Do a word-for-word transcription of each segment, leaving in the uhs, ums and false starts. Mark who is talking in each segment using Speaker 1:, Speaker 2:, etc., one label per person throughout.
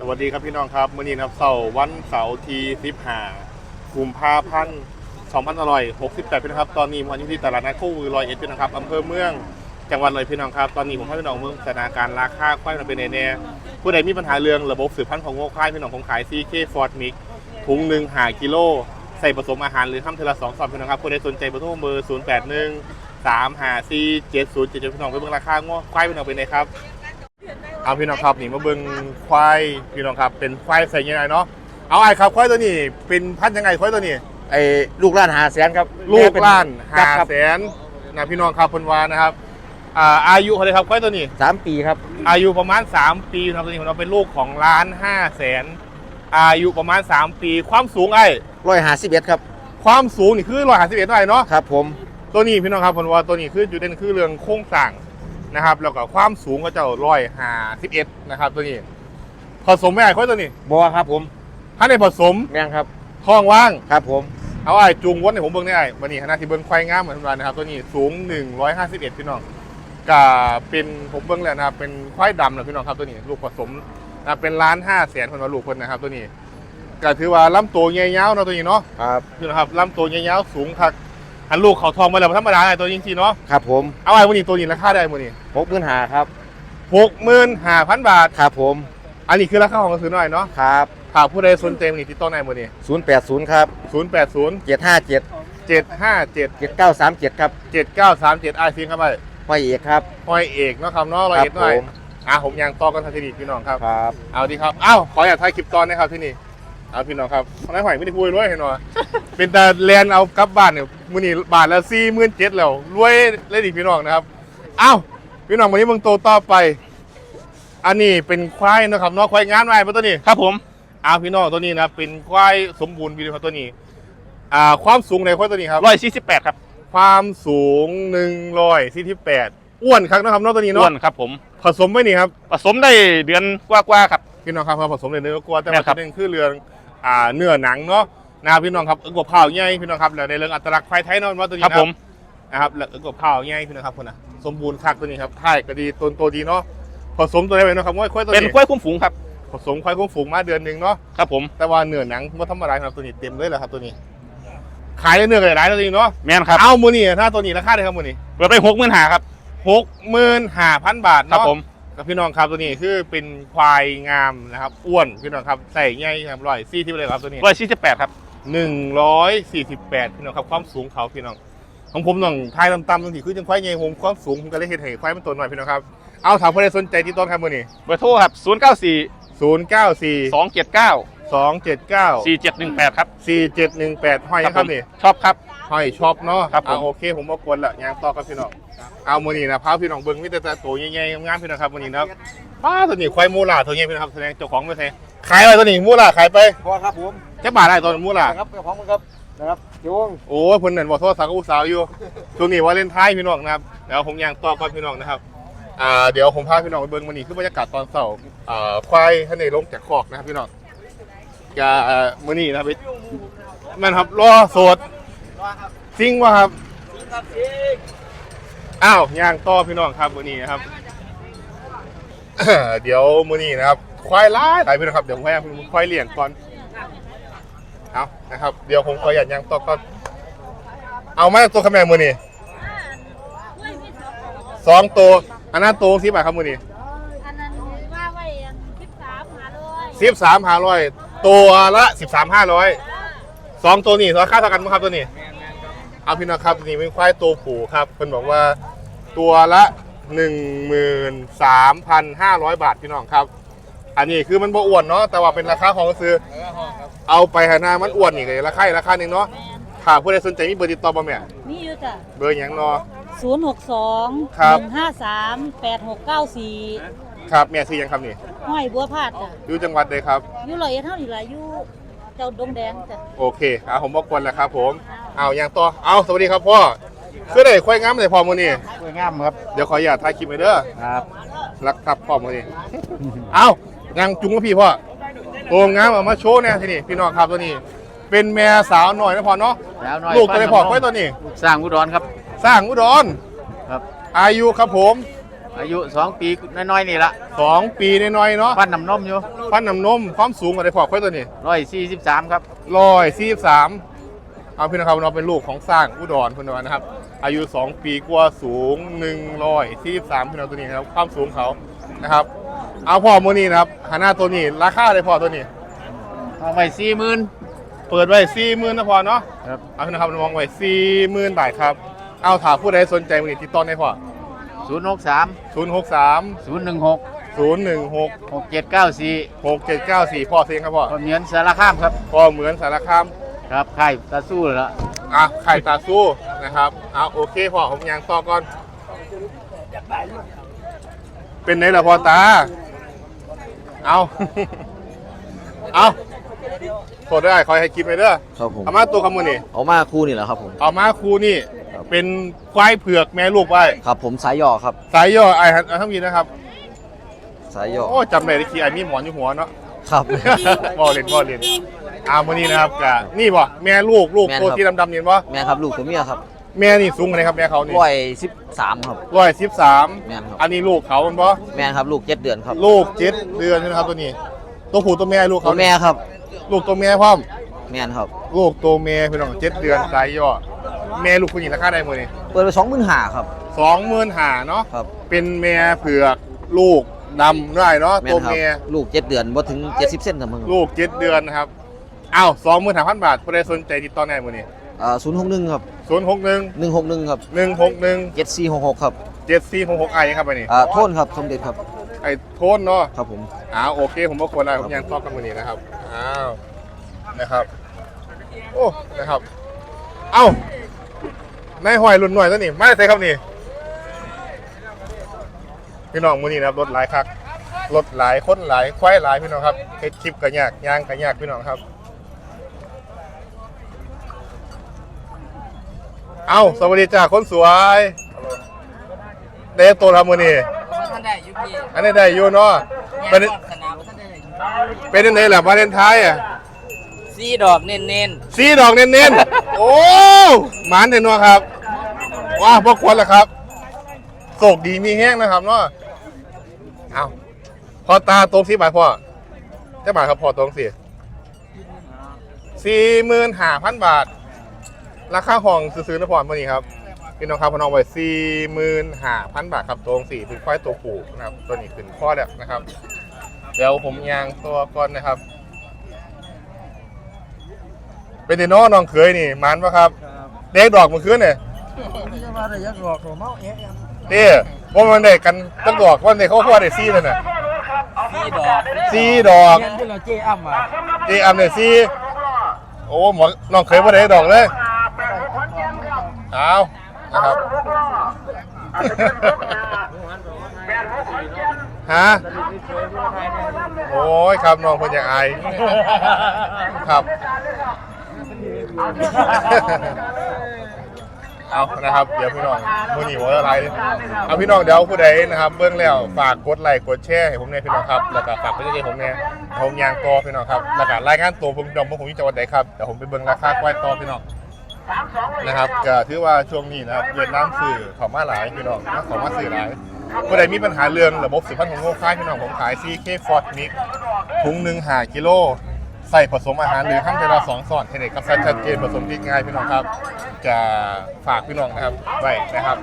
Speaker 1: วัสดีครับพี่น้องครับมื้อนี้นะครับเสาร์วันเสาร์ที่สิบห้ากุมภาพันธ์สองพันห้าร้อยหกสิบแปดพี่น้องครับตอนนี้ผมอยู่ที่ตลาดนัดคู่มือร้อยเอ็ดพี่น้องครับอำเภอเมืองจังหวัดเลยพี่น้องครับตอนนี้ผมให้พี่น้องเมืองสถานการณ์ราคาควายมันเป็นแน่ๆผู้ใดมีปัญหาเรื่องระบบสืบพันธุ์ของงัวควายพี่น้องผมขาย ซี เค Ford Mix ถุงหนึ่งห้ากิโลใส่ผสมอาหารหรือทำเทละสองซองพี่น้องครับผู้ใดสนใจเบอร์โทรเบอร์ศูนย์แปดหนึ่งสามห้าสี่เจ็ดศูนย์เจ็ดพี่น้องไปเบิ่งราคางัวควายพี่น้องเป็นไงครับเอาพี่น้องครับนี่มาเบิ่งควายพี่น้องครับเป็นควายใส่ยังไงเนาะเอาไอ้ครับควายตัวนี้เป็นพันธุ์ยังไงควายตัวนี้
Speaker 2: ไอ้ลูกล้านหาแสนครับ
Speaker 1: ลูกล้านหาแสนนะพี่น้องครับพนวานะครับอ่าอายุเขาเลยครับควายตัวนี้
Speaker 2: สามปีครับ
Speaker 1: อายุประมาณสามปีครับตัวนี้เราเป็นลูกของล้านห้าแสนอายุประมาณสามปีความสูงไอ้
Speaker 2: ร้อยหาสิบเอ็ดครับ
Speaker 1: ความสูงนี่คือร้อยห้าสิบเอ็ดได้เนาะ
Speaker 2: ครับผม
Speaker 1: ตัวนี้พี่น้องครับพนวาตัวนี้คือจุดเด่นคือเรื่องโครงสร้างนะครับแล้วก็ความสูงก็จะร้อยห้าสิบเอ็ดนะครับตัวนี้ผสมไม่ไอ้ควายตัวนี้
Speaker 2: บัวครับผม
Speaker 1: ถ้าในผสม
Speaker 2: แม่งครับ
Speaker 1: ท้องว่าง
Speaker 2: ครับผม
Speaker 1: เอาไอ้จูงวัดในผมเบิ้งได้ไอ้วันนี้ขณะที่เบิ้งควายงามเหมือนกันนะครับตัวนี้สูงหนึ่งร้อยห้าสิบเอ็ดพี่น้องกับเป็นผมเบิ้งแล้วนะครับเป็นควายดำนะพี่น้องครับตัวนี้ลูกผสมนะเป็นล้านห้าแสนคนว่าลูกคนนะครับตัวนี้ก็ถือว่าลำตัวเงี้ยาวๆเนาะตัวนี้เนาะ
Speaker 2: ครับ
Speaker 1: พี่น้องครับลำตัวเงี้ยาวสูงคักหันลูกเขาทองมาแล้วธรรมดาไอ้ตัวจริงๆเนาะ
Speaker 2: ครับผม
Speaker 1: เอาไอ้วันนี้ตัวนี้ราคาได้วันนี้
Speaker 2: หกหมื่นหาครับ
Speaker 1: หกหมื่นห้าพันบาท
Speaker 2: ครับผม
Speaker 1: อันนี้คือราคาของกระสือหน่อยเนาะ
Speaker 2: ครับ
Speaker 1: หากผู้ใดสนใจวันนี้ติดต่อในวันนี้
Speaker 2: ศูนย์แปดศูนย์ครับ
Speaker 1: ศูนย์แปดศูนย์
Speaker 2: เจ็ดห้าเจ็ด
Speaker 1: เจ็ดห้าเจ็ด
Speaker 2: เจ็ดเก้าสามเจ็ดครับ
Speaker 1: เจ็ดเก้าสามเจ็ดไอซีครับไป
Speaker 2: พ่อเอกครับ
Speaker 1: พ่อเอกเนาะครับเนาะร้อยเอ็ดหน่อยอ่ะผมยังต่อกันทันทีพี่น้องครับ
Speaker 2: ครับ
Speaker 1: เอาดีครับอ้าวขออยากถ่ายคลิปตอนนะครับที่นี่เอาพี่น้องครับนายหอยไม่ได้พูดรวยเห็นหรอเป็นแต่แลนเอากลับบ้านเนี่ยมือนี่บาทละสี่หมื่นเจ็ดแล้วรวยเลยดิพี่น้องนะครับอ้าวพี่น้องวันนี้มึงโตต่อไปอันนี้เป็นควายนะครับเนาะควายงานอะไรตัวนี้
Speaker 3: ครับผม
Speaker 1: อ้าวพี่น้องตัวนี้นะเป็นควายสมบูรณ์พี่น้องตัวนี้อ่าความสูงในควายตัวนี้ครับ
Speaker 3: ร้อยสี่สิบแปดครับ
Speaker 1: ความสูงหนึ่งร้อยสี่สิบแปดอ้วนครับนะครับเนาะตัวนี้เนาะ
Speaker 3: อ้วนครับผม
Speaker 1: ผสมไว้นี่ครับ
Speaker 3: ผสมได้เดือนกว่าๆครับ
Speaker 1: พี่น้องครับผสมในเนื้อกลัวแต่ว่าประเด็นคือเรื่องอ่าเนื้อหนังเนาะนะครับพี่น้องครับเอ็กบเผาใหญ่พี่น้องครับแล้วในเรื่องอัตลักษณ์ควายไทยเนาะว่าตัวนี้ครับนะครับแล้วเอ็กบเผาใหญ่พี่น้องครับคนน่ะสมบูรณ์คักตัวนี้ครับถ่ายก็ดีต้นโตดีเนาะผสมตัวอะไรไปนะครับว่าควายตัวนี้
Speaker 3: เป็นควายคุ้มฝูงครับ
Speaker 1: ผสมควายคุ้มฝูงมาเดือนหนึ่งเนาะ
Speaker 3: ครับผม
Speaker 1: แต่ว่าเนื้อหนังว่าธรรมดาครับตัวนี้เต็มเลยแหละครับตัวนี้ขายเนื้อกันหลายตัวนี้เนาะ
Speaker 3: แม่นครับ
Speaker 1: เอามือนี่ถ้าตัวนี้ราคาเท่าไหร่ครับมือนี่
Speaker 3: เปิดไปหกหมื่นห้าครับ
Speaker 1: หกหมื่นห้าพันบาท
Speaker 3: ครับ
Speaker 1: เนาะ
Speaker 3: ผม
Speaker 1: กับพี่น้องครับตัวนี้คือเป็นควายงามนะครับอ้วนพี่น้องครับใส่ใหญ่ครับร้อยสี่ที่เลยครับตัวนี้
Speaker 3: ร้อยสี่สิบแปดครับ
Speaker 1: หนึ่งร้อยสี่สิบแปดพี่น้องครับความสูงเขาพี่น้องของผมน้องทายต่ำๆตรงที่คือจังควายใหญ่ผมความสูงผมก็เลยเห็นเห็นควายมันตัวหน่อยพี่น้องครับเอาถามผู้ใดสนใจที่ต้นครับมือนี้
Speaker 3: เบอร์โทรครับศูนย์เก้าสี่
Speaker 1: ศูนย์เก้าสี่
Speaker 3: สองเจ็ดเก้า
Speaker 1: สองเจ็ดเก้า
Speaker 3: สี่เจ็ดหนึ่งแปดครับ
Speaker 1: สี่เจ็ดหนึ่งแปดห้อยครับนี่
Speaker 3: ชอบครับ
Speaker 1: ห้อยชอบเนาะ
Speaker 3: ครับผม
Speaker 1: โอเคผมมากวนละยางต่อครับพี่น้องเอามือนี้นะพาพี่น้องเบิ้งมิตรแต่ตัวใหญ่ๆงามพี่น้องครับมือนี้นะป้าตัวนี้ควายมูล่าตัวใหญ่พี่น้องครับแสดงเจ้าของไม่ใช่ขายอะไรตัวนี้มูล่าขายไป
Speaker 2: พอครับผม
Speaker 1: จะบาทได้ตัวมูล่า
Speaker 2: ครับเจ้าของมันครับนะครับโยง
Speaker 1: โอ้ยคนนั่นบอกโทษสังกุศลอยู่ช่วงนี้ว่าเล่นท้ายพี่น้องนะครับเดี๋ยวผมยางต่อก่อนพี่น้องนะครับอ่าเดี๋ยวผมพาพี่น้องไปเบิ้งมือนี้คือบรรยากาศตอนเช้าอ่าควายท่านในลงจากคอกนะครับพี่น้องจะมือนี้นะครับมันครับรอโสดจริงวะครับอ้าวย่างต่อพี่น้องครับมือนี้นะครับ เดี๋ยวมือนี้นะครับควายล้ายไปพี่น้องครับเดี๋ยวผมให้ควายเลี้ยงก่อนเอานะครับเดี๋ยวผมขอหยัดย่างต่อก่อนเอามาตัวขแมงมือนี้สองตัวอันนั้นตัวสิบาทครับมือนี้
Speaker 4: อันนั้นว่าไว้สิบสามห้าร้อย
Speaker 1: สิบสามห้าร้อยตัวละสิบสามห้าร้อยสองตัวนี้ราคาเท่ากันไหมครับตัวนี้เอาพี่น้องครับตัวนี้เป็นควายตัวผู้ครับเพิ่นบอกว่าตัวละหนึ่งหมื่นสามพันห้าร้อยบาทพี่น้องครับอันนี้คือมันบ่อ้วนเนาะแต่ว่าเป็นราคาของซื้อเอาไปหาหน้ามันอ้วนนี่เลยราคาราคาหนึ่งเนาะถ้าผู้ใดสนใจมีเบอร์ติดต่อบ่แม่
Speaker 4: มีอยู่จ้ะ
Speaker 1: เบอร์อย่างเนาะ
Speaker 4: ศูนย์หกสองหนึ่งห้าสามแปดหกเก้าสี่
Speaker 1: ครับแม่ซื้อยังครับนี่
Speaker 4: ห้อยบัวพาดจ้ะ
Speaker 1: อยู่จังหวัดใดครับ
Speaker 4: อยู่ร้อยเอ็ดเท่านี้ล่ะอยู่เจ้าดงแดงจ้ะ
Speaker 1: โอเคอ่ะผมบอกก่อนแหละครับผมเอาอย่างต่อเอาสวัสดีครับพ่อคือได้ควายงามเลยพ่อมื้อนี้
Speaker 2: สวยงามครับ
Speaker 1: เดี๋ยวขออย่าถ่ายคลิปไปเด้อ
Speaker 2: ครับ
Speaker 1: รักครับพ่อมื้อนี้เอายังจุงกับพี่พ่อตัวงามเอามาโชว์เนี่ยทีนี้พี่น้องครับตัวนี้เป็นแม่สาวหน่อยนะพ่อเนาะลูกตัวไหนพ่อควายตัวนี้
Speaker 2: สร้างอุดรครับ
Speaker 1: สร้างอุดร
Speaker 2: ครับ
Speaker 1: อายุครับผม
Speaker 2: อายุสองปีน้อยๆนี่ละ
Speaker 1: สองปีน้อยๆเนาะ
Speaker 2: ปั้นน้ำนมอยู่
Speaker 1: ฟันน้ำนมความสูงกว่าได้พอค่อยตัวนี้
Speaker 2: ร้อยสี่สิบสามครับ
Speaker 1: ร้อยสี่สิบสามเอาพี่นะครับเราเป็นลูกของสร้างอุดรพี่น้องนะครับ อายุสองปีกว่าสูงหนึ่งร้อยสี่สิบสามพี่น้องตัวนี้นะครับความสูงเขานะครับเอาพ่อโมนี่นะครับหาหน้าตัวนี้ราคาได้พอตัวนี้
Speaker 2: เอาไปสี่หมื่น
Speaker 1: เปิดไว้สี่หมื่นนะพอเนาะ
Speaker 2: ครับ
Speaker 1: เอาพี่นะครับมองไว้สี่หมื่นบาทครับเอาถามผู้ใดสนใจมือนี้ติดต่อได้พอ
Speaker 2: ศูนย์หกสาม
Speaker 1: ศูนย์หกสาม
Speaker 2: ศูนย์หนึ่งหก
Speaker 1: ศูนย์หนึ่งหก
Speaker 2: หกเจ็ดเก้าสี่
Speaker 1: หกเจ็ดเก้าสี่พ่อเสียงครับพ่อ
Speaker 2: คนเหมือนสารคามครับ
Speaker 1: พ่อเหมือนสารคาม
Speaker 2: ครับค่ายตาสู้แล้ว
Speaker 1: อ่ะไข่ตาสู้นะครับเอาโอเคพ่อผมยังต่อก่อน เป็นไงล่ะพ่อตา เอา เอาโทษได้คอยให้คลิปไปเด้อ
Speaker 5: ครับผม
Speaker 1: เอามาตัวคำมือนี่
Speaker 5: เอามาคู่นี่แหละครับผม
Speaker 1: เอามาครูนี่ เป็นควายเผือกแม่ลูกไว้
Speaker 5: ครับผมสายย่อครับ
Speaker 1: สายย่อไอ้ฮันทั้งมีนะครับ
Speaker 5: สายย่อ
Speaker 1: โอ้จำได้ที่ไอ้มีหมอนอยู่หัวเนาะ
Speaker 5: ครับ
Speaker 1: บ่เล่นบ่เล่นอามือนี้นะครับกะนี่บ่แม่ลูกลูก
Speaker 5: แม่น
Speaker 1: ตัว
Speaker 5: ครับ
Speaker 1: ที่ดำๆเห็นบ่
Speaker 5: แม่ครับลูกตัวเมียครับ
Speaker 1: แม่นี่สูงอะไรครับแม่เขานี่
Speaker 5: ร้อยสิบสามครับ
Speaker 1: ร้อยสิบสาม
Speaker 5: แม่นครับ
Speaker 1: อันนี้ลูกเขามันบ่
Speaker 5: แม่ครับลูกเจ็ดเดือนครับ
Speaker 1: ลูกเจ็ดเดือนใช่ไหมครับตัวนี้ ตัวผู้ตัวแม่ลูก
Speaker 5: ตั
Speaker 1: เขา
Speaker 5: วแม่ครับ
Speaker 1: ลูกตัวแม่พร้อม
Speaker 5: แม่นครับ
Speaker 1: ลูกตัวแม่พี่น้องเจ็ดเดือนสายย่อแม่ลูกผู้หญิงราคาได้หมดนี่
Speaker 5: เปิดไปสองหมื่นห้าครับ
Speaker 1: สองหมื่นห้าเนาะ
Speaker 5: ครับ
Speaker 1: เป็นแม่เผือกลูกดำได้เนาะ
Speaker 5: แม่
Speaker 1: ตัวน
Speaker 5: ครับ
Speaker 1: แม่
Speaker 5: ลูกเจ็ดเดือนบ่ถึงเจ็ดสิบเซนครับมึง
Speaker 1: ลูกเจ็ดเดือนนะครับอ้าวสองหมื่นห้าพันบาทผู้ใดสนใจติดต่อได้หมดนี่
Speaker 5: อ่าศูนย์หกหนึ่งครับ
Speaker 1: ศูนย์หกหนึ่ง
Speaker 5: หนึ่งหกหนึ่งครับ
Speaker 1: หนึ่งหกหนึ่ง
Speaker 5: เจ็ดสี่หกหกครับ
Speaker 1: เจ็ดสี่หกหกไอครับไปนี่
Speaker 5: อ่าโทษครับสมเด็จครับ
Speaker 1: ไอโทนเนาะ
Speaker 5: ครับผม
Speaker 1: อ้าวโอเคผมก็ควรได้ผมยังตอบกันวันนี้นะครับอ้าวนะครับโอ้นะครับเอ้านายหอยรุ่นหน่อยตัวนี้ไม่ใช่ครับนี่พี่น้องมือนี้นะครับรถหลายคักรถหลายคนหลายควายหลายพี่น้องครับเฮ็ดคลิปกันยากย่างกันยากพี่น้องครับเอ้าสวัสดีจ้าคนสวยเดฟตัวทำมือนี้
Speaker 6: ท่านได้ยุพี่
Speaker 1: อันนี้ได้อยู่เนาะเป็น
Speaker 6: สนามท่านได้
Speaker 1: เป็นยังไงล่ะวาเลนไทน์อ่ะ
Speaker 6: ซีดอกเน้นเน้น
Speaker 1: สีดอกเน้นๆ โอ้หมานเด่นวะครับ ว้าพวกควรละครับโศกดีมีแห้งนะครับเนาะเอาพอตาตรงสีบาทพ่อเจ้าบาทครับพอตรงสี่สี่หมื่นห้าพันบาท ราคาห้องซื้อๆนะพอมื่อนี้ครับพี่น้องครับพน้องไว้สี่หมื่นห้าพันบาทครับตรงสี่เป็นควายตัวผูนะครับตัวนี้เป็นข้อแล้วนะครับ เดี๋ยวผมยางตัวก่อนนะครับ เป็นเดโน่น้องเคยนี่มันปะครับเด็กดอกมันคืนเนี่ยเต้ว่ามันเด็กกันตั้งดอกว่าเด็กเขาพ่อเด็กซี่เลยน่ะ
Speaker 6: ซีดอก
Speaker 1: ซี่ดอก
Speaker 6: เงินที่เราเจ๊อ้ำอ่ะ
Speaker 1: เจอัมเนี่ยซี่โอ้หมอน้องเคยว่าเด็กดอกเลยเอานะครับฮะโอ้ยครับน้องคนอยากอายครับ เอานะครับเดี๋ยวพี่น้องมือหนีหัวอะไรเอาพี่น้องเดี๋ยวผู้ใดนะครับเบื้องแล้วฝากกดไลค์กดแชร์ให้ผมเนี่ยพี่น้องครับแล้วก็ฝากเพื่อนๆผมเนี่ยผมยางตัวพี่น้องครับแล้วก็รายงานตัวผมดอมว่าผมอยู่จังหวัดไหนครับเดี๋ยวผมไปเบื้องราคาควายต่อพี่น้องนะครับก็ถือว่าช่วงนี้นะครับเวียดนามสื่อเขามาหลายพี่น้องนะเขามาสื่อหลายผู้ใดมีปัญหาเรื่องระบบสืบพันธุ์ของโง่ค่ายพี่น้องผมขาย ซี เค ฟอร์ด มิกถุงหนึ่งห้ากิโลใส่ผสมอาหารหรือห้ามเวลาสองส่วนให้เด็กกับชัดเจนผสมที่ง่ายพี่น้องครับจะฝากพี่น้องนะครับไว้นะครับ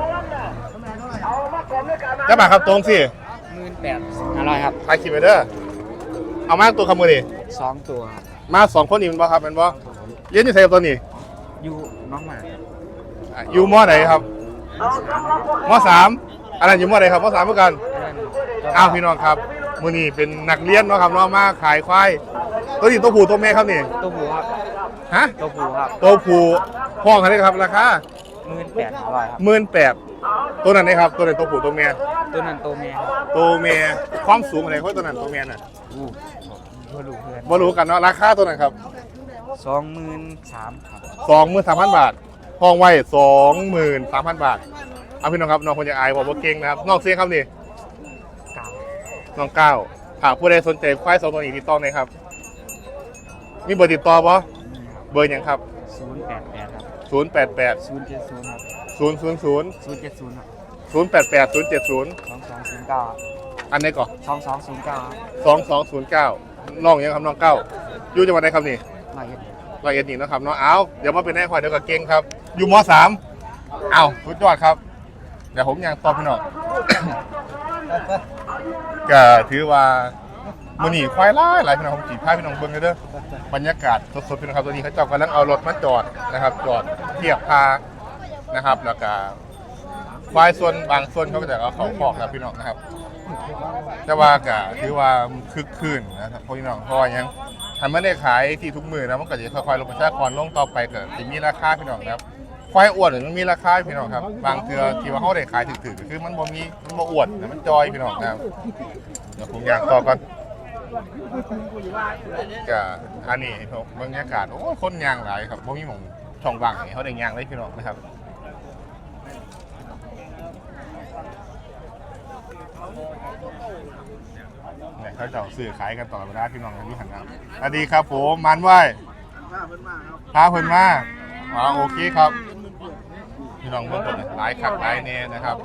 Speaker 1: จะมาครับตรงสิ
Speaker 6: หมื่นแปดอร่อยครับ
Speaker 1: ถ่ายคลิปไปเด้อเอามาตัวคำมือดิ
Speaker 6: สองตัวครับ
Speaker 1: มาสองคนนี่มันบ่ครับเป็นบ่เรียนอยู่ไสกับตัวนี้
Speaker 6: อยู่น้องหมา
Speaker 1: อ่ะอยู่มอไหนครับมอสามอันนั้นอยู่มอไหนครับมอสามเหมือนกันอ้าวพี่น้องครับมือนี้เป็นนักเรียนเนาะครับเนาะมาขายควายตัวนี้ตัวผู้ตัวแม่ครับนี่
Speaker 6: ตัวผูครับ
Speaker 1: ฮะ
Speaker 6: ตัวผูครับ
Speaker 1: ตัวผู้ห้องอะไรครับราคา
Speaker 6: หมื่นแปดอร่อยครับ
Speaker 1: หมื่นแปดตัวนั้นนะครับตัวไหนตัวผู้ตัวเมีย
Speaker 6: ตัวนั้นตัวเมียครับ
Speaker 1: ตัวเมียความสูงอะไรเขาตัวนั้นตัวเมียน่ะ
Speaker 6: อู้เพื่อลูกเพื่อน
Speaker 1: บ่รู้กันเนาะราคาตัวนั้นครับ
Speaker 6: สองหมื่นสามครับ
Speaker 1: สองหมื่นสามพันบาทห้องไว้สองหมื่นสามพันบาทเอาพี่น้องครับน้องคนจะอายบอกว่าเก่งนะครับน้องเสียงครับนี่
Speaker 6: เก่า
Speaker 1: น้องก้าวหากผู้ใดสนใจควายสองตัวนี้ติดต่อหน่อยครับมีเบอร์ติดต่อปะเบอร์หยังครับ
Speaker 6: ศูนย์แปดแปดครับ
Speaker 1: ศูนย์แปดแปด
Speaker 6: ศูนย์เจ็ดศูนย์ครับ
Speaker 1: ศูนย์ศูนย์ศูนย์
Speaker 6: ศูนย์เจ็ดศูนย์ครับ
Speaker 1: ศูนย์แปดแปดศูนย์เจ็ดศูนย์
Speaker 6: สองสองศูนย์เก้า
Speaker 1: อันไหนก่อน
Speaker 6: สองสองศูนย์เก้า
Speaker 1: สองสองศูนย์เก้าน้องยังครับน้องเก้าอยู่จังหวัดไหนครับนี่
Speaker 6: หน่อยเอ็ด
Speaker 1: ร้อยเอ็ดนี่นะครับเนาะเอาเดี๋ยวมาเป็นแน่ควายเดี๋ยวกับเก่งครับ อยู่มสามเอาสุดยอดครับเดี๋ยวผมยังตอบพี่น้อง ก็ถือว่ามือหนีควายไล่หลายพี่น้องผมจีบพาพี่น้องเบิ้งเลยเด้อบรรยากาศสดๆพี่น้องครับตัวนี้เขาเจาะกำลังเอารถมาจอดนะครับ จอดเทียบพานะครับแล้วก็ควายส่วนบางส่วนเขาก็จะเอาเขาคอกนะพี่น้องนะครับ แต่ว่าก็ถือว่าคึกคืนนะครับพี่น้องเพราะว่ายังทำไม่ได้ขายที่ทุกมือนะมันก็จะค่อยๆลงประชากรลงต่อไปก็จะมีราคาพี่น้องนะครับควายอ้วนหรือมันมีราคาพี่น้องครับบางเทือที่ว่าเขาได้ขายถึกๆคือมันบ่มีมันบ่อ้วนแต่มันจอยพี่น้องนะครับเดี๋ยวผมอยากต่อก่อนก็อันนี้บรรยากาศโอ้คนยางหลายครับบ่มีหม่องช่องว่างให้เขาได้ยางเลยพี่น้องนะครับเนี่ยเขาจะซื้อขายกันต่อเวลาพี่น้องกันอยู่หันนะสวัสดีครับผมมันไหวพาเพิ่นมาอ๋อโอเคครับพี่น้องเบิ่งคนหลายขับหลายแน่นะครับ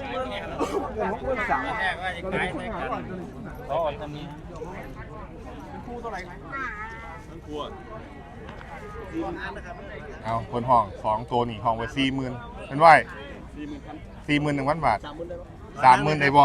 Speaker 1: เอาคนห้องสองตัวนี่ห้องไว้สี่หมื่นเป็นไหวสี่หมื่นหนึ่งพันบาทสามหมื่นได้บ่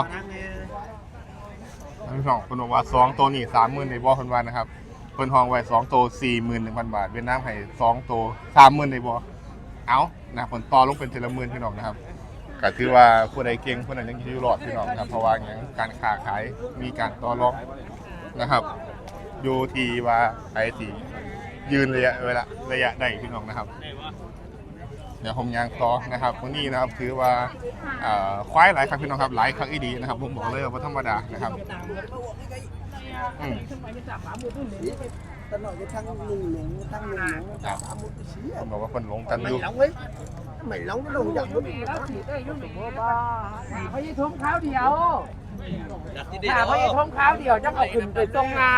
Speaker 1: พี่น้องคนบอกว่าสองตัวนี่สามหมื่นได้บ่คนว่านะครับคนห้องไว้สองตัวสี่หมื่นหนึ่งพันบาทเวียดนามให้สองตัวสามหมื่นได้บ่เอานะผลต่อลงเป็นเทละหมื่นพี่น้องนะครับก็คือว่าผู้ใดเก่งผู้นั้นยังอยู่รอดพี่น้องครับเพราะว่าอย่างการค้าขายมีการต่อรองนะครับอยู่ที่ว่าไอ้ที่ยืนระยะเวลาระยะได้พี่น้องนะครับเดี๋ยวผมยางต่อนะครับวันนี้นะครับถือว่าควายหลายครั้งพี่น้องครับหลายครั้งอีดีนะครับผมบอกเลยว่าธรรมดานะครับอืมผมบอกว่าคนหลงกันอยู่
Speaker 7: mày lóng cái đồ giận nó bị nó chỉ đây nó bị baเขาจะทุ่มข้าวเดียวถ้าเขาจะทุ่มข้าวเดียวจะเอาขึ้นไปตรงเงา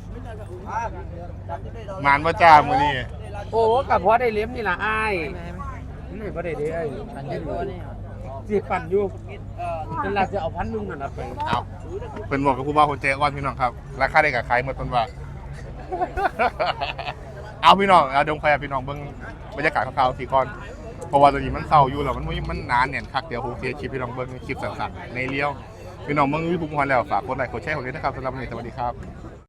Speaker 1: มานว่าจ้ามือนี่
Speaker 7: โอ้กับพอได้เลี้ยมนี่ล่ะอ้ายนี่พอได้เลี้ยสิปั่นอยู่เป็นหลักจะเอาพันนึงนั่นไป
Speaker 1: เอาเป็นบอกกับผู้บ่าวคนเจ๊อ้อนพี่น้องครับราคาได้กับใครเมื่อต้นว่า เอาพี่น้องเอาดงไฟพี่น้องเบิ้งบรรยากาศคร่าวๆสี่ก้อนเพราะว่าตอนนี้มันเศร้าอยู่แล้วมันมันนานเนี่ยคักเดียวผมเสียคลิปพี่น้องเบิ้งคลิปสั้นๆในเลี้ยวพี่น้องเบิ้งวิวพุ่งพันแล้วฝากกดไลค์กดแชร์ผมด้วยนะครับสำหรับวันนี้สวัสดีครับ